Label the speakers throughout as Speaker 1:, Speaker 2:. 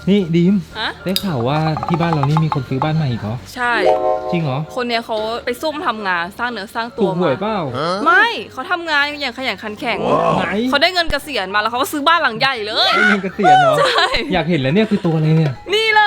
Speaker 1: นี่ดีม
Speaker 2: ฮะ
Speaker 1: ได้ข่าวว่าที่บ้านเรานี่มีคนซื้อบ้านใหม่อีกเหรอ
Speaker 2: ใช่
Speaker 1: จริงเหรอ
Speaker 2: คนเนี้ยเขาไปซุ่มทำงานสร้างเนื้อสร้างตั
Speaker 1: ถู
Speaker 2: ว
Speaker 1: กหวย
Speaker 2: มา
Speaker 1: เปล่า
Speaker 2: ไม่เขาทำงานอย่างขยันขันแข็ง
Speaker 1: ไหน
Speaker 2: เขาได้เงินเกษียณมาแล้วเขาก็ซื้อบ้านหลังใหญ่เลย
Speaker 1: ได้เงินเกษียณเหรอ
Speaker 2: ใช่
Speaker 1: อยากเห็นแล้วเนี่ยคือตัวอะไรเนี่ย
Speaker 2: นี่เลย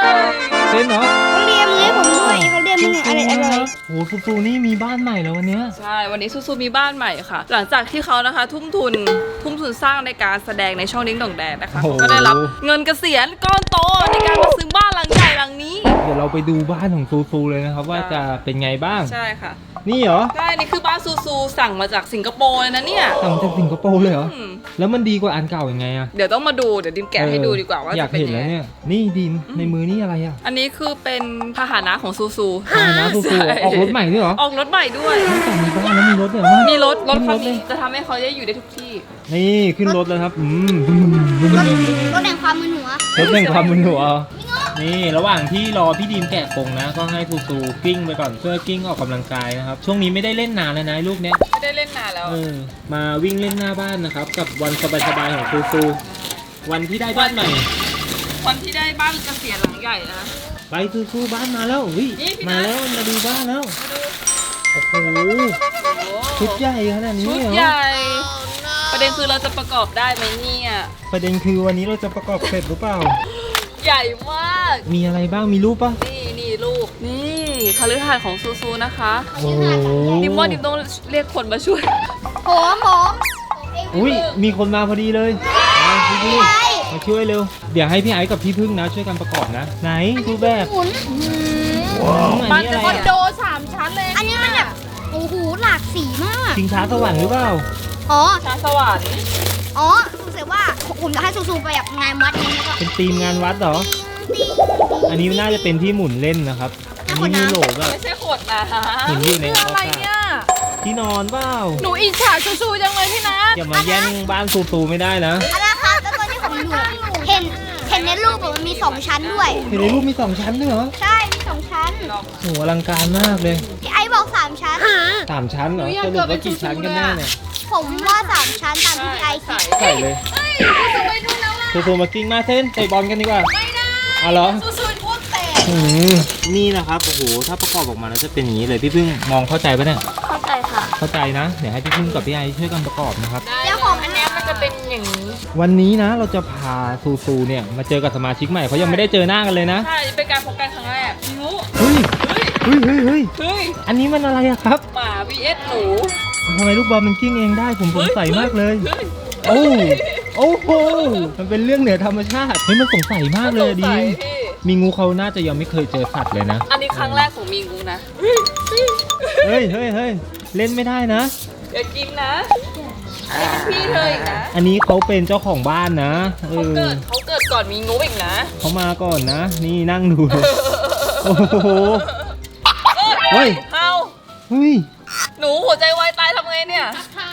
Speaker 1: เซนเหรอ
Speaker 3: เขาเรียมให้ผมด้วยเขาเรียมมันอะไรอร่อย
Speaker 1: โอ้ฟูนี่มีบ้านใหม่แล้ววันเนี้ย
Speaker 2: ใช่วันนี้ซูมีบ้านใหม่ค่ะ หลังจากที่เขานะคะ ทุ่มทุนสร้างในการแสดงในช่องดิ้งดองแดงนะคะเขาก็ได้รับเงินเกษียณก้อนโตในการมาซื้อบ้านหลังใหญ่หลังนี้
Speaker 1: เดี๋ยวเราไปดูบ้านของฟูเลยนะครับว่าจะเป็นไงบ้าง
Speaker 2: ใช่ค่ะ
Speaker 1: นี่เหรอ
Speaker 2: ใช่นี่คือบ้านซูสั่งมาจากสิงคโปร์เลยนะเนี่ย
Speaker 1: สั่งจากสิงคโปร์เลยเหรอ
Speaker 2: อืม
Speaker 1: แล้วมันดีกว่าอันเก่ายังไงอะ
Speaker 2: เดี๋ยวต้องมาดูเดี๋ยวดิมแกะให้ดูดีกว่าว่า
Speaker 1: อยา
Speaker 2: จะ
Speaker 1: ก
Speaker 2: เป็น
Speaker 1: เห็น
Speaker 2: ยัง
Speaker 1: แล้ว
Speaker 2: ไง
Speaker 1: เนี่ยนี่ดินในมือนี่อะไรอะ
Speaker 2: อันนี้คือเป็นพาหนะของซู
Speaker 1: นะฟู
Speaker 2: ใช่
Speaker 1: ออกรถใหม่ด้วยเหรอ
Speaker 2: ออกรถใหม่ด้วย
Speaker 1: ไม่แต่มีบ้านแล้วมีรถเนี่ยว่า
Speaker 2: มีรถ
Speaker 1: ขึ้น
Speaker 2: คัน
Speaker 1: เลย
Speaker 2: นี้จะทำให้เขาได้อยู่ได้ทุกที่
Speaker 1: นี่ขึ้นรถแล้วครับ
Speaker 3: รถแห่งความมึนหัว
Speaker 1: รถแห่งความมึนหัวนี่ระหว่างที่รอพี่ดีมแกะกรงนะก็ให้ฟูกิ้งไปก่อนเพื่อกิ้งออกกำลังกายนะครับช่วงนี้ไม่ได้เล่นนานแล้วนะลูกเนี้ย
Speaker 2: ไม่ได้เล่นนานแล้ว
Speaker 1: มาวิ่งเล่นหน้าบ้านนะครับกับวันสบายๆของฟูวันที่ได้บ้านใหม่
Speaker 2: วันที่ได้บ้านเกษียณหลังใหญ่นะ
Speaker 1: ไปฟูบ้านมาแล้ววิ
Speaker 2: นี่พี่นัท
Speaker 1: มาแล้วมาดูบ้านแล้ว
Speaker 2: มาดู
Speaker 1: โอ้โห
Speaker 2: โอ้
Speaker 1: ชุดใหญ่ขนาดนี้
Speaker 2: ชุด
Speaker 1: เหรอ
Speaker 2: ใหญ่ ประเด็นคือเราจะประกอบได้ไหมเนี่ย
Speaker 1: ประเด็นคือวันนี้เราจะประกอบเสร็จหรือเปล่า
Speaker 2: ใหญ่มาก
Speaker 1: มีอะไรบ้างมีรูปปะ
Speaker 2: นี่ลูก นี่คฤหาสน์ของซูนะคะ
Speaker 1: โอ้โห
Speaker 2: ดิมว่าดิมต้องเรียกคนมาช่วย
Speaker 3: ผมเอง
Speaker 1: อุ้ยมีคนมาพอดีเลยมาพี่พึ่งมาช่วยเร็วเดี๋ยวให้พี่ไอซ์กับพี่พึ่งนะช่วยกันประกอบนะ ไหนดูแบบ
Speaker 3: หมุน
Speaker 1: อัน
Speaker 2: บ้าน
Speaker 1: นี้
Speaker 2: จะ
Speaker 1: อะไร
Speaker 2: คอนโด
Speaker 1: อะ
Speaker 2: 3 ชั้นเลย
Speaker 3: อันนี้มันแบบโอ้โหหลากสีมาก
Speaker 1: ชิงช้าสวรรค์หรือเปล่า
Speaker 3: อ๋อ
Speaker 2: ชาสวรรค์
Speaker 3: อ๋อรู้สึกว่าผมจะให้ซูไปแบบงานวัดนี้แล้วก็
Speaker 1: เป็นธีมงานวัดเหรอ อันนี้น่าจะเป็นที่หมุนเล่นนะครับ อันนี้มีโหลแบบ
Speaker 2: ไม่ใช่ขวดน้
Speaker 1: เห็นอยู่ใน
Speaker 2: ำ
Speaker 1: อวกาศ ที่นอนเปล่า
Speaker 2: หนูอิจฉาซูจังเลยพี่นัท
Speaker 1: อย่ามาแย่งบ้านฟูไม่ได้นะ
Speaker 3: อันนั้นครับแล้วตัวที่ผมอยู่เห็นในรูปอะมันมี2ชั้นด้วย
Speaker 1: เห็นในรูปมี2ชั้นด้วยเหรอ
Speaker 3: ใช่มี2ชั้น
Speaker 1: โหอลังการมากเลย
Speaker 3: พี่ไอ้บอก3ชั้น
Speaker 1: 3ชั้นเหรอสรุปว่ากี่ชั้นกันแน่เนี่ย
Speaker 3: ผมว่า3ชั้นตามที่พี่ไอ้คิด
Speaker 1: ใส่เลยฟูมากิ้งมาเส้นเตะบอลกันดีกว่า
Speaker 2: ไม่ได้
Speaker 1: เอาเหรอ
Speaker 2: ซูพูดแต่
Speaker 1: นี่นะครับโอ้โหถ้าประกอบออกมาแล้วจะเป็นอย่างนี้เลยพี่พึ่งมองเข้าใจปะเนี่ย
Speaker 3: เข้าใจค่ะ
Speaker 1: เข้าใจนะเดี๋ยวให้พี่พึ่งกับพี่ไอช่วยกันประกอบนะครับ
Speaker 2: เจ้าของอันเนี้ยมันจะเป็นอย่างนี้
Speaker 1: วันนี้นะเราจะพาซูเนี่ยมาเจอกับสมาชิกใหม่เขายังไม่ได้เจอหน้ากันเลยนะ
Speaker 2: ใช่ เป็นการพบกันครั้งแรกหนู
Speaker 1: เฮ้ยเฮ้ยเฮ้ย
Speaker 2: เฮ้ย
Speaker 1: อันนี้มันอะไรอะครับ
Speaker 2: หมา vs หนู
Speaker 1: ทำไมลูกบอลมันกิ้งเองได้ผมสงสัยมากเลย
Speaker 2: ฮ้
Speaker 1: โอ้โหมันเป็นเรื่องเหนือธรรมชาติเฮ้ยมันสงสัยมากเลยดี
Speaker 2: สงสัพี่
Speaker 1: มีงูเขาน่าจะยังไม่เคยเจอสัตว์เลยนะ
Speaker 2: อันนี้ครั้งแรกของมีงูนะ
Speaker 1: เฮ้ยเล่นไม่ได้นะ
Speaker 2: อย่ากินนะพี่เธออีกนะ
Speaker 1: อันนี้เขาเป็นเจ้าของบ้านนะ
Speaker 2: เขาเกิดก่อนมีงูอีกนะ
Speaker 1: เขามาก่อนนะ นี่นั่งดูโอ้โหเฮ้ย
Speaker 2: เฮา
Speaker 1: เฮ้ย
Speaker 2: หนูหัวใจวายตายทำไงเนี่ย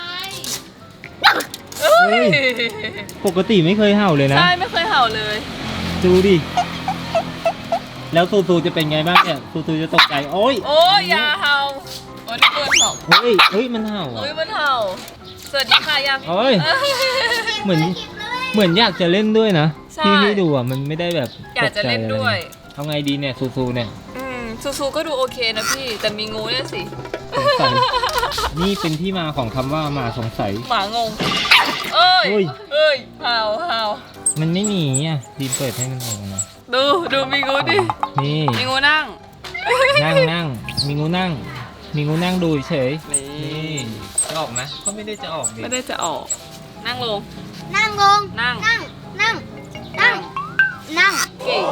Speaker 2: เฮ้
Speaker 1: เฮ้
Speaker 2: ย
Speaker 1: ย ปกติไม่เคยเห่าเลยนะ
Speaker 2: ใช่ไม่เคยเห่าเลย
Speaker 1: ดูดิแล้วตูจะเป็นไงบ้างเนี่ยตูจะตกใจโอ้ย
Speaker 2: โอ้ยอย่าเห่าโอ้ยนี่เกินเห่า
Speaker 1: เฮ้ยมันเห่า
Speaker 2: โอ้ย
Speaker 1: อ่ะ
Speaker 2: มันเห่าสวัสดีค่ะยัง
Speaker 1: โอ้ย เหมือนอยากจะเล่นด้วยนะ
Speaker 2: ใช่
Speaker 1: ที่ให้ดูอ่ะมันไม่ได้แบบ
Speaker 2: อยากจะเล่นด้วย
Speaker 1: เอาไงดีเนี่ยซูเนี่ย
Speaker 2: ซูก็ดูโอเคนะพี่แต่มีงูเนี่ยสิ
Speaker 1: สงสัยนี่เป็นที่มาของคำว่าหมาสงสัย
Speaker 2: หมางงเอ้ย
Speaker 1: โอ้ย
Speaker 2: เอ้ยเห่าเห่า
Speaker 1: มันไม่หนีอ่ะดีเปิดให้มันออกมา
Speaker 2: ดูมีงูดิ
Speaker 1: นี่
Speaker 2: มีงูนั่ง
Speaker 1: นั่งมีงูนั่งดูเฉย
Speaker 2: นี่
Speaker 1: นี่จะออกไหมก็ไม่ได้จะออกดิ
Speaker 2: ไม่ได้จะออก นั่งลง
Speaker 3: นั่งลง
Speaker 2: นั่ง
Speaker 3: นั่ง
Speaker 2: เก่ง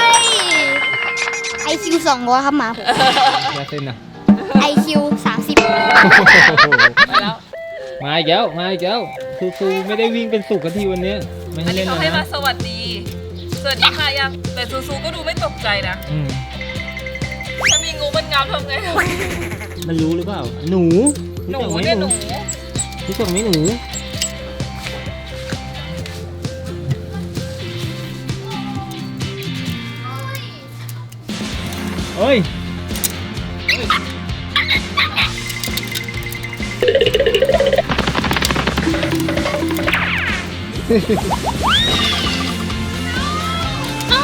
Speaker 3: IQ 200ครับหมาผม
Speaker 1: ยาเส้นอ่ะ
Speaker 3: IQ 30
Speaker 2: ไปแล้ว
Speaker 1: มาอีกแล้วซูไม่ได้วิ่งเป็นสุกกันทีวันนี้ไม่
Speaker 2: อั
Speaker 1: ให้
Speaker 2: น
Speaker 1: เล่
Speaker 2: นี้
Speaker 1: น
Speaker 2: เขา
Speaker 1: แล้ว
Speaker 2: ให้มา
Speaker 1: นะ
Speaker 2: สวัสดี สวัสดีค่ะยัง แต่ซูก็ดูไม่ตกใจนะ
Speaker 1: อืม
Speaker 2: ถ้ามีงูมันงามทำไง
Speaker 1: มันรู้หรือเปล่าหนู
Speaker 2: หนู
Speaker 1: รู้จักไหม
Speaker 2: เนี่ยหนู
Speaker 1: รู้จักไหมหนูเฮ้ย
Speaker 3: เอ้า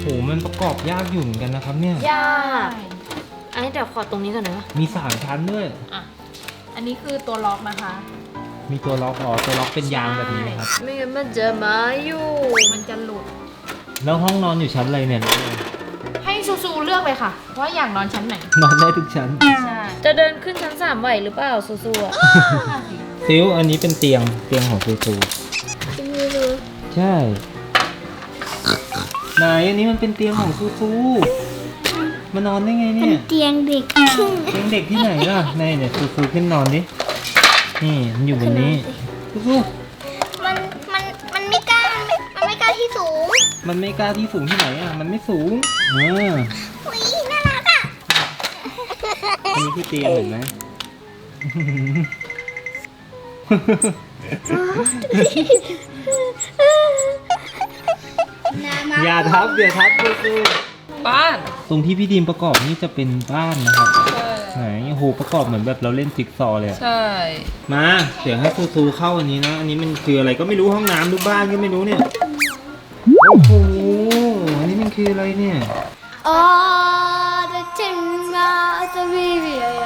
Speaker 1: มันประกอบยากอยู่เหมือนกันนะครับเนี่ย
Speaker 4: ยากอันนี้เดี๋ยวขอตรงนี้ก่อนนะ
Speaker 1: มี3ชั้นด้วย
Speaker 4: อ่ะอันนี้คือตัวล็อกนะคะ
Speaker 1: มีตัวล็อกตัวล็อกเป็นยางแบบนี้นะครับ
Speaker 4: ไม่งั้นมันจะมาอยู่มันจะหลุด
Speaker 1: แล้วห้องนอนอยู่ชั้นอะไรเนี่ย
Speaker 4: ให้ซูเลือกเลยค่ะว่าอยากนอนชั้นไหน
Speaker 1: นอนได้ทุกชั้น
Speaker 4: ใช่จะเดินขึ้นชั้น3ไหวหรือเปล่าซูอ่ะ
Speaker 1: ซิลอันนี้เป็นเตียงของซูซูใช่ไหนอันนี้มันเป็นเตียงของซูซูมานอนได้ไง
Speaker 3: เป็
Speaker 1: เนี่
Speaker 3: น
Speaker 1: ย
Speaker 3: เตียงเด็ก
Speaker 1: เตียงเด็กที่ไหนล่ะไหนเนี่ยซูซูขึ้นนอนดินี่มันอยู่บนนี้ซูซู
Speaker 3: มันมันไม่กล้ามันไม่กล้าที่สูง
Speaker 1: มันไม่กล้าที่สูงที่ไหนอ่ะมันไม่สูง
Speaker 3: อุ้ยน่ารักอ่ะ
Speaker 1: อันนี้คือเตียงเห็นไหม อย่าทับซูซู
Speaker 2: บ้าน
Speaker 1: ตรงที่พี่ดีมประกอบนี่จะเป็นบ้านนะครับไหนโอ้โหประกอบเหมือนแบบเราเล่นจิ๊กซอว์เลยอะ
Speaker 2: ใช่
Speaker 1: มาเดี๋ยวให้ซูซูเข้าอันนี้นะอันนี้มันคืออะไรก็ไม่รู้ห้องน้ำหรือบ้านก็ไม่รู้เนี่ยโอ้โหอันนี้มันคืออะไรเนี่ย
Speaker 3: อ๋อจะเจ็บมาจะมีเบียร์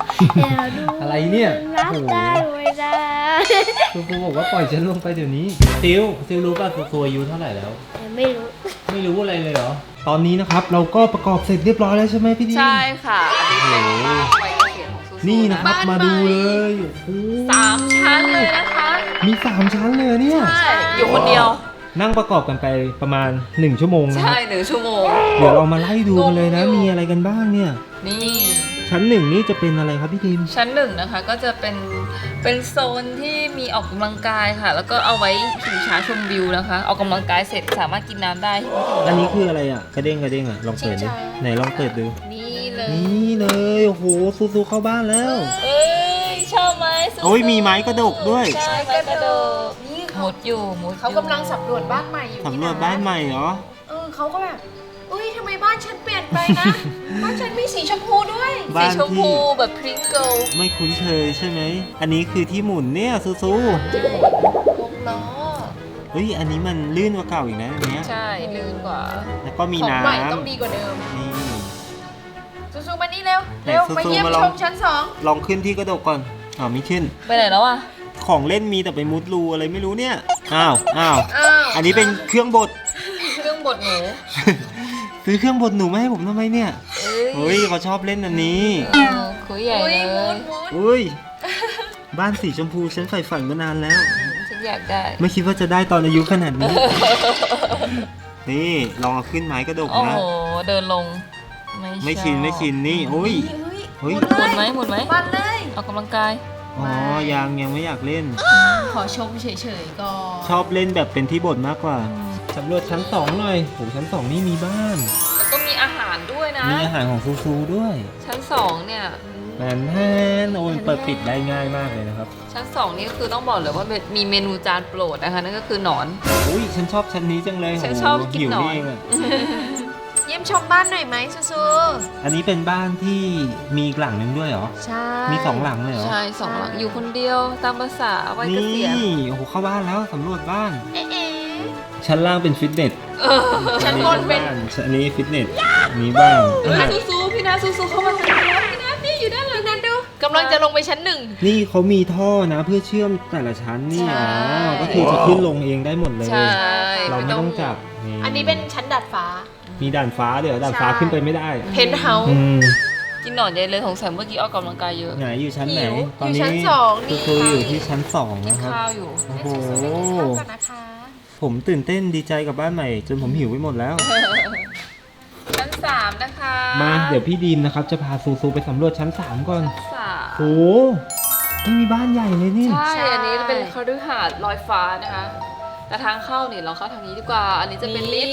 Speaker 1: อะไรเนี่ย
Speaker 3: รัก
Speaker 1: โอ้โห
Speaker 3: ได้ไม่ได้
Speaker 1: ซูซูบอกว่าปล่อยฉันลงไปเดี๋ยวนี้ซิลรู้ป่ะซูซูอายุเท่าไหร่แล้ว
Speaker 3: ไม่รู้
Speaker 1: ไม่รู้อะไรเลยเหรอตอนนี้นะครับเราก็ประกอบเสร็จเรียบร้อยแล้วใช่ไหมพี่ดีม
Speaker 2: ใช่ค่ะอันนี้
Speaker 1: โอ้โห
Speaker 2: เป็นบ้านวัยเกษียณของซูซู
Speaker 1: นี่นะครับ
Speaker 2: บ้
Speaker 1: มาดูเลยโอ้โห
Speaker 2: 3 ชั้นเลยนะคะ
Speaker 1: มี3ชั้นเลยเนี่ย
Speaker 2: ใช่อยู่คนเดียว
Speaker 1: นั่งประกอบกันไปประมาณ1 ชั่วโมงนะค
Speaker 2: ใช่
Speaker 1: รับ
Speaker 2: 1 ชั่วโมง
Speaker 1: เดี๋ยวเรามาไล่ดูกันเลยนะ
Speaker 2: งงอยู่
Speaker 1: มีอะไรกันบ้างเนี่ย
Speaker 2: นี่
Speaker 1: ชั้น1นี่จะเป็นอะไรครับพี่ทีม
Speaker 2: ชั้น1นะคะก็จะเป็นโซนที่มีออกกำลังกายค่ะ แล้วก็เอาไว้ขี่ช้าชมวิวนะคะออกกำลังกายเสร็จสามารถกินน้ำได้
Speaker 1: อันนี้คืออะไรอ่ะกระเด้งอ่ะลองเปิดดิไหนลองเปิดดู
Speaker 2: นี่เลย
Speaker 1: นี่เลยโอ้โหซูเข้าบ้านแล้ว
Speaker 2: เอ้ยชอบไหมซูซู
Speaker 1: โอ้ยมีไม้กระดกด้วย
Speaker 2: ใช่กระโดดนี่มุดอยู่
Speaker 4: เขากำลังสำรวจบ้านใหม่อยู่
Speaker 1: สำรวจบ้านใหม่เหรอ
Speaker 4: เขาก็แบบอุ้ยทำไมบ้านฉันเปลี่ยนไปนะ บ้านฉันมีสีชมพูด้วย
Speaker 2: สี
Speaker 1: บ้าน
Speaker 2: ชม
Speaker 1: ที่
Speaker 2: พูแบบพริ้งเกิล
Speaker 1: ไม่คุ้นเคยใช่ไหมอันนี้คือที่หมุนเนี่ยซู
Speaker 2: 6 ล้อ
Speaker 1: เฮ้ยอันนี้มันลื่นกว่าเก่าอีกนะอันเนี้ย
Speaker 2: ใช่ลื่นกว่า
Speaker 1: แล้วก็มี
Speaker 4: ของ
Speaker 1: น้
Speaker 4: ใหม่ต้องดีกว่าเดิม
Speaker 1: ำนี่
Speaker 4: ซูมานี่เร็ว
Speaker 1: ไหน
Speaker 4: เร็ว
Speaker 1: ซู
Speaker 4: มาเยี่ยม
Speaker 1: มาล
Speaker 4: ช
Speaker 1: อง
Speaker 4: มชั้น2
Speaker 1: ลองขึ้นที่กระดกก่อนไม่ขึ้น
Speaker 2: ไปไหนแล้วอ่ะ
Speaker 1: ของเล่นมีแต่ไปมุดรูอะไรไม่รู้เนี่ย อ้าว
Speaker 4: อ้าว
Speaker 1: อันนี้เป็นเครื่องบด
Speaker 2: เครื่องบดหนู
Speaker 1: ซื้อเครื่องบดหนูมาให้ผมทำไมเนี่ย
Speaker 2: เอ้ย
Speaker 1: เฮ้ยเขาชอบเล่นอันนี้
Speaker 2: คุยใหญ่
Speaker 4: อุ้
Speaker 2: เลย
Speaker 4: มุ
Speaker 2: ย
Speaker 4: ด
Speaker 1: อุ้ย บ้านสีชมพูฉันใฝ่ฝันมานานแล้ว
Speaker 2: ฉันอยากได้
Speaker 1: ไม่คิดว่าจะได้ตอนอายุขนาดนี้ นี่ลองเอาขึ้นไม้กระดก
Speaker 2: โอ้
Speaker 1: นะ
Speaker 2: โหเดินลง
Speaker 1: ไม่ชินนี่โอ้ยเฮ้ย
Speaker 2: หมุนไหมหมุนไหม
Speaker 4: บ้านเลย
Speaker 2: ออกกำลังกาย
Speaker 1: อ๋อยังไม่อยากเล่น
Speaker 4: ขอชมเฉยๆก่อน
Speaker 1: ชอบเล่นแบบเป็นที่บดมากกว่าสำรวจชั้น2หน่อยโหชั้น2นี่มีบ้าน
Speaker 2: แล้วก็มีอาหารด้วยนะ
Speaker 1: มีอาหารของซูด้วย
Speaker 2: ชั้น2เนี่ย
Speaker 1: แมนแฮนโอ้ยเปิดปิดได้ง่ายมากเลยนะครับ
Speaker 2: ชั้น2นี่ก็คือต้องบอกเลยว่ามีเมนูจานโปรดนะคะนั่นก็คือหนอน
Speaker 1: อุ้ยฉันชอบชั้นนี้จังเลย
Speaker 2: ฉัน
Speaker 1: โโห
Speaker 2: ชอบกิน
Speaker 1: หิว
Speaker 2: หนอน
Speaker 1: เองอะ
Speaker 4: เยี่ยมชมบ้านหน่อยไหมซู
Speaker 1: อันนี้เป็นบ้านที่มีอีกหลังนึงด้วยเหรอ
Speaker 4: ใช่
Speaker 1: มี2 หลังเลยเหรอ
Speaker 2: ใช่2 หลังอยู่คนเดียวตามภาษาวัยเก
Speaker 1: นี่
Speaker 2: ษียณ
Speaker 1: โอ้โหเข้าบ้านแล้วสำรวจบ้าน
Speaker 4: เอ๊ะ
Speaker 1: ชั้นล่างเป็นฟิตเนส
Speaker 4: ชั้นบนเป็น
Speaker 1: อันนี้ฟิตเนสอันนี้บ้าน
Speaker 2: เฮ้ยซูพี่นาซูเข้ามาทางนี้พี่นานี่อยู่ด้านหลัง
Speaker 4: นั่นดูกำลังจะลงไปชั้น1
Speaker 1: นี่เขามีท่อนะเพื่อเชื่อมแต่ละชั้นนี่
Speaker 2: ใช่
Speaker 1: อ๋อก็คือจะขึ้นลงเองได้หมดเลย
Speaker 2: ใช่
Speaker 1: เราไม่ต้องจับ
Speaker 4: อันนี้เป็นชั้นดาดฟ้า
Speaker 1: มีด่านฟ้าเดี๋ยวด่านฟ้า
Speaker 4: ใช่
Speaker 1: ขึ้นไปไม่ได้
Speaker 4: เพนท์เฮาส์
Speaker 1: อืม
Speaker 2: กินหนอนใหญ่เลยสงสัยเมื่อกี้ออกกำลังกายเยอะ
Speaker 1: ไหนอยู่ชั้นไหน
Speaker 4: หิว
Speaker 1: ตอน
Speaker 4: อยู่
Speaker 1: นี้
Speaker 4: ชั้นสองนี่
Speaker 1: คืออยู่ที่ชั้น2
Speaker 2: กิน
Speaker 1: นะครับ
Speaker 2: ข้าวอยู่
Speaker 1: โอ้โห
Speaker 4: เข้ากันนะคะ
Speaker 1: ผมตื่นเต้นดีใจกับบ้านใหม่ จนผมหิวไปหมดแล้ว
Speaker 2: ชั้น3นะคะ
Speaker 1: มาเดี๋ยวพี่ดีมนะครับจะพาซูไปสำรวจชั้น 3 ก่อน
Speaker 2: สาม
Speaker 1: โอ้นี่มีบ้านใหญ่เลยนี่
Speaker 2: ใช่ อันนี้เป็นคฤหาสน์ลอยฟ้านะคะ แต่ทางเข้าเนี่ยเราเข้าทางนี้ดีกว่า อันนี้จะเป็นลิฟต์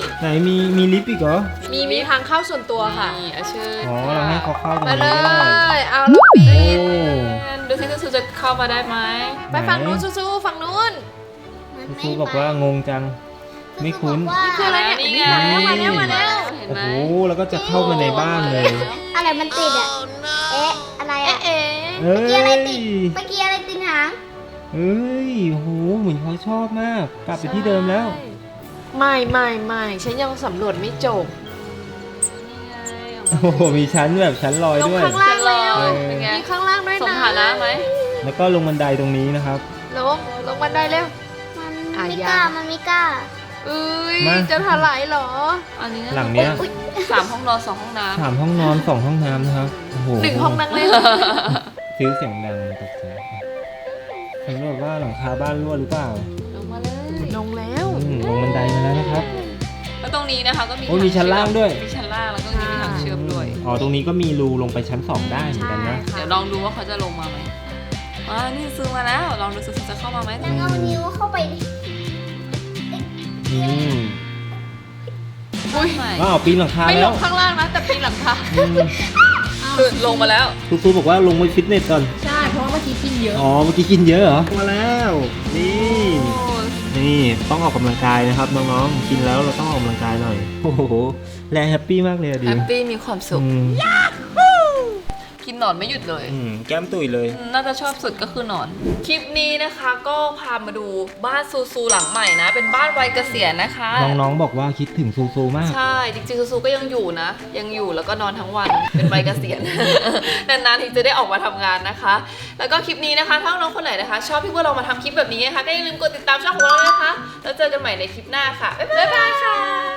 Speaker 1: ไหนมีลิฟต์อีกเหรอ
Speaker 4: มีทางเข้าส่วนตัวค่ะ
Speaker 2: นี่อาชื่อ
Speaker 1: อ๋อเราให้เขาเข้าตรง
Speaker 4: มาเล
Speaker 1: นี้ก็ได้
Speaker 4: ย เอาลูกปี
Speaker 1: โอ้
Speaker 4: น
Speaker 2: ดูสิซูจะเข้ามาได้ไหม
Speaker 4: ไปฝั่งนู้นสู้ๆฝั่งนู้น
Speaker 1: ครูบอกว่างงจัง ไม่คุ้น
Speaker 4: นี่คืออะไรเนี่ย
Speaker 2: นี่ไง
Speaker 4: มาแล้ว
Speaker 2: เห็น
Speaker 1: โอ้
Speaker 2: ไหม
Speaker 1: โหแล้วก็จะเข้ามาในบ้านเลย
Speaker 3: อะไรมันติดอ่ะ เอ๊ะ อะไรอ่ะ
Speaker 4: เอ๊ะ
Speaker 1: เฮ้ย
Speaker 3: เมื่อกี้อะไรติดหาง
Speaker 1: เฮ้ยโอ้โหเหมือนเขาชอบมาก กลับไปที่เดิมแล้ว
Speaker 4: ไม่ฉันยังสำรวจไม่จบ
Speaker 1: โอ้โหมีชั้นแบบชั้นลอย
Speaker 4: ลง
Speaker 1: ด้วย
Speaker 4: ข้างล่างแล้ว
Speaker 2: เป็นไง
Speaker 4: มีข้างล่างด้วย
Speaker 2: สม
Speaker 4: นะ
Speaker 2: ฐานะไหม
Speaker 1: แล้วก็ลงบันไดตรงนี้นะครับ
Speaker 4: ลงบันไดเร็ว
Speaker 3: มัน
Speaker 4: อ่ะ
Speaker 3: ไม่
Speaker 4: ยั
Speaker 3: กล้าง มันไม่กล้า
Speaker 4: เอ้ย
Speaker 1: มา
Speaker 4: จะถลายเหรอ
Speaker 2: อันนี้
Speaker 1: หลังเนี้ย
Speaker 2: 3 ห้องนอน 2 ห้องน้ำ
Speaker 1: 3 ห้องนอน 2 ห้องน้ำนะครับโอ้โห
Speaker 4: 1 ห้องนั่งเล่น
Speaker 1: ฟิวเสียงดังตกใจสำรวจว่าหลังคาบ้านรั่วหรือเปล่า
Speaker 2: ลงมาเลย
Speaker 4: ลงแล้ว
Speaker 1: ลงบันไดมาแล้วนะครับ
Speaker 2: แล้วตรงนี้นะคะก็มี
Speaker 1: โอ้ยมีชั้นล่างด้วย
Speaker 2: มีชั้นล่างแล้วก็มีทางเชื่อมด้วย
Speaker 1: อ๋อตรงนี้ก็มีรูลงไปชั้น 2 ได้เหมือนกันนะ
Speaker 2: เดี๋ยวลองดูว่าเขาจะลงมาไหมนี่ซื้อมาแล้ว ลองดูซื้อจะเข้ามาไหม
Speaker 3: แล้วเอานิ้วเข้าไปดิ
Speaker 1: อืม
Speaker 2: อุ้ย
Speaker 1: ว้าวปีนหลังคา
Speaker 4: ไม่ล
Speaker 1: แล้ว
Speaker 4: งข้างล่างนะแต่ปีนหลังคา
Speaker 1: อืม
Speaker 2: คือลงมาแล้ว
Speaker 1: ครูบอกว่าลงไปฟิตเนสก่อน
Speaker 4: ใช่เพราะว่าเมื่อกี้กินเยอะ
Speaker 1: อ๋อเมื่อกี้กินเยอะเหรอมาแล้ว นี่ต้องออกกำลังกายนะครับน้องๆกินแล้วเราต้องออกกำลังกายหน่อยโอ้โหแลแฮปปี้มากเลยอะดิ
Speaker 2: แฮปปี้มีความสุข
Speaker 1: อืม
Speaker 2: กินหนอนไม่หยุดเลย
Speaker 1: แก้มตุ๋ยเลย
Speaker 2: น่าจะชอบสุดก็คือหนอน คลิปนี้นะคะก็พามาดูบ้านซูซูหลังใหม่นะ เป็นบ้านวัยเกษียณนะคะ
Speaker 1: น้องๆบอกว่าคิดถึงซูซูมาก
Speaker 2: ใช่ จริงๆซูซูก็ยังอยู่นะ ยังอยู่แล้วก็นอนทั้งวัน เป็นวัยเกษียณ นานๆทีจะได้ออกมาทำงานนะคะ แล้วก็คลิปนี้นะคะ ถ้าน้องคนไหนนะคะ ชอบที่พวกเรามาทำคลิปแบบนี้นะคะ ก็อย่าลืมกดติดตามช่องของเราเลยนะคะ แล้วเจอกันใหม่ในคลิปหน้าค่ะ บ๊ายบายค่ะ